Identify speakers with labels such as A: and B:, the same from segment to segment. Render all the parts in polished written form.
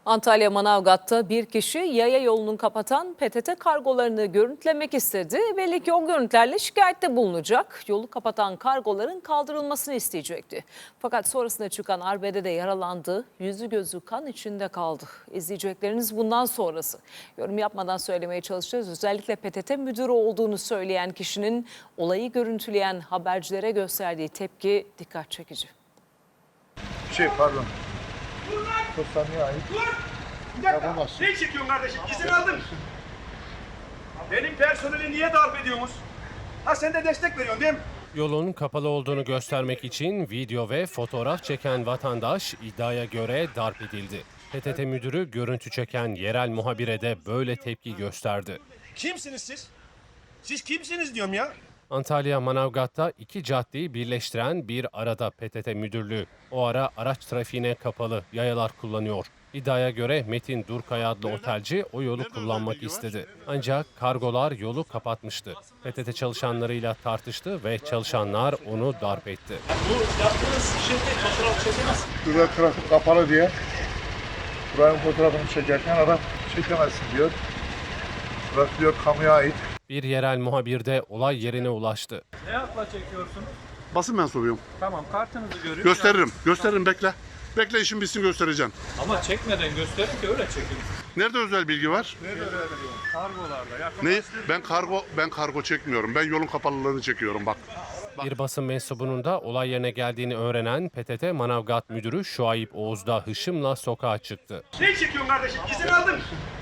A: Antalya Manavgat'ta bir kişi yaya yolunu kapatan PTT kargolarını görüntülemek istedi. Belli ki o görüntülerle şikayette bulunacak. Yolu kapatan kargoların kaldırılmasını isteyecekti. Fakat sonrasında çıkan arbedede yaralandı. Yüzü gözü kan içinde kaldı. İzleyecekleriniz bundan sonrası. Yorum yapmadan söylemeye çalışacağız. Özellikle PTT müdürü olduğunu söyleyen kişinin olayı görüntüleyen habercilere gösterdiği tepki dikkat çekici.
B: Pardon. Postaneye ait.
C: Bir dakika.
B: Yapamazsın.
C: Ne çekiyorsun kardeşim? İzin aldın. Benim personeli niye darp ediyorsunuz? Ha sen de destek veriyorsun değil mi?
D: Yolun kapalı olduğunu göstermek için video ve fotoğraf çeken vatandaş iddiaya göre darp edildi. PTT müdürü görüntü çeken yerel muhabire de böyle tepki gösterdi.
C: Kimsiniz siz? Siz kimsiniz diyorum ya.
D: Antalya Manavgat'ta iki caddeyi birleştiren bir arada PTT müdürlüğü. O ara araç trafiğine kapalı, yayalar kullanıyor. İddiaya göre Metin Durkaya adlı otelci o yolu kullanmak istedi. Ancak kargolar yolu kapatmıştı. PTT çalışanlarıyla tartıştı ve çalışanlar onu darp etti.
E: Bu yaptığınız şirket fotoğraf çekemez.
B: Burada trafik kapalı diye. Buranın fotoğrafını çekerken adam çekemezsin diyor. Burası diyor kamuya ait.
D: Bir yerel muhabir de olay yerine ulaştı.
E: Ne yapla çekiyorsun?
F: Basın mensubuyum.
E: Tamam, kartınızı görüyorum.
F: Gösteririm. Gösteririm, bekle. Bekle, işin bitsin, göstereceğim.
E: Ama çekmeden gösterin ki öyle çekin.
F: Nerede özel bilgi var?
E: Kargolarda.
F: Ne? Ben kargo çekmiyorum. Ben yolun kapalılığını çekiyorum bak.
D: Bir basın mensubunun da olay yerine geldiğini öğrenen PTT Manavgat müdürü Şuayb Oğuz da hışımla sokağa çıktı.
C: Ne çekiyorsun kardeşim? İzin aldın.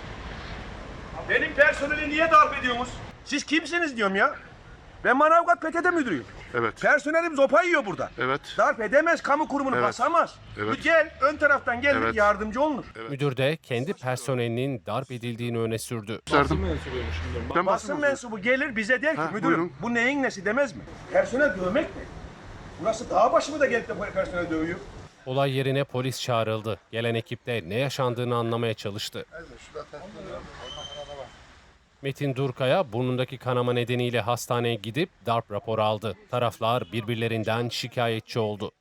C: Benim personeli niye darp ediyorsunuz? Siz kimsiniz diyorum ya. Ben Manavgat PTT müdürüyüm.
F: Evet.
C: Personelim zopa yiyor burada.
F: Evet.
C: Darp edemez, kamu kurumunu
F: Evet.
C: basamaz.
F: Evet.
C: Bir gel, ön taraftan gel,
F: Evet.
C: yardımcı olunur.
D: Müdür de kendi personelinin darp edildiğini öne sürdü.
F: Gösterdim. Ben
C: Basın mensubu gelir bize der ki
F: Ha,
C: müdürüm
F: buyurun.
C: bu neyin nesi demez mi? Personel dövmek mi? Burası dağ başı mı da gelip de personel dövüyor?
D: Olay yerine polis çağrıldı. Gelen ekip de ne yaşandığını anlamaya çalıştı. Metin Durkaya burnundaki kanama nedeniyle hastaneye gidip darp raporu aldı. Taraflar birbirlerinden şikayetçi oldu.